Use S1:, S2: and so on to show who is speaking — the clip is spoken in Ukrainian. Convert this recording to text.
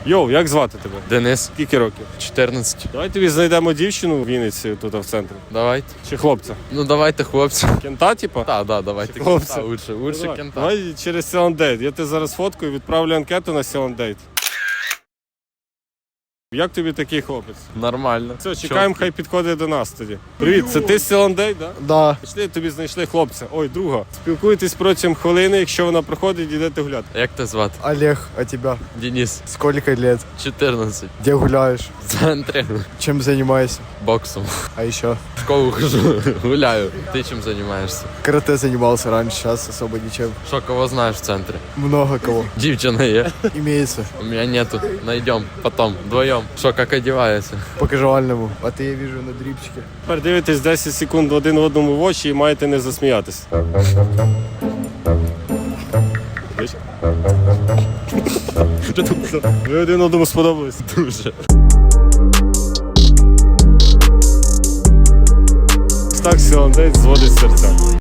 S1: Йоу, як звати тебе?
S2: Денис,
S1: Скільки років?
S2: 14.
S1: Давай тобі знайдемо дівчину в Вінниці тут в центрі.
S2: Давайте.
S1: Чи хлопця?
S2: Ну давайте, хлопці.
S1: Кента, типа?
S2: Давайте.
S1: Хлопці.
S2: Лучше
S1: Давай.
S2: кента.
S1: Давай через Селандейт. Я тебе зараз фоткаю, відправлю анкету на Селандейт. Як тобі такий хлопець?
S2: Нормально.
S1: Все, чекаємо, хай підходить до нас тоді. Привіт, це ти з Селандейт, так?
S3: Да.
S1: Пішли, тобі знайшли хлопця. Ой, друга. Спілкуйтесь протягом хвилини, якщо вона проходить, йдете гуляти.
S2: Як тебе звати?
S3: Олег, а тебя?
S2: Денис,
S3: Сколько лет?
S2: 14.
S3: Где гуляешь?
S2: В центрі.
S3: Чем занимаешься?
S2: Боксом.
S3: А еще?
S2: В школу хожу, гуляю. Ти чим займаєшся?
S3: Карате занимался раньше, сейчас особо ничем.
S2: Що, кого знаєш в центрі?
S3: Много кого.
S2: Дівчина є?
S3: Имеется.
S2: У мене нету. Найдем потом, вдвоем. Що, як одягається?
S3: По кажуальному. А ты, я вижу, на дрипчике.
S1: Тепер дивитесь 10 секунд один одному в очі і маєте не засміятися. Ви один одному сподобались?
S2: Дуже.
S1: Так Селандейт зводить серця.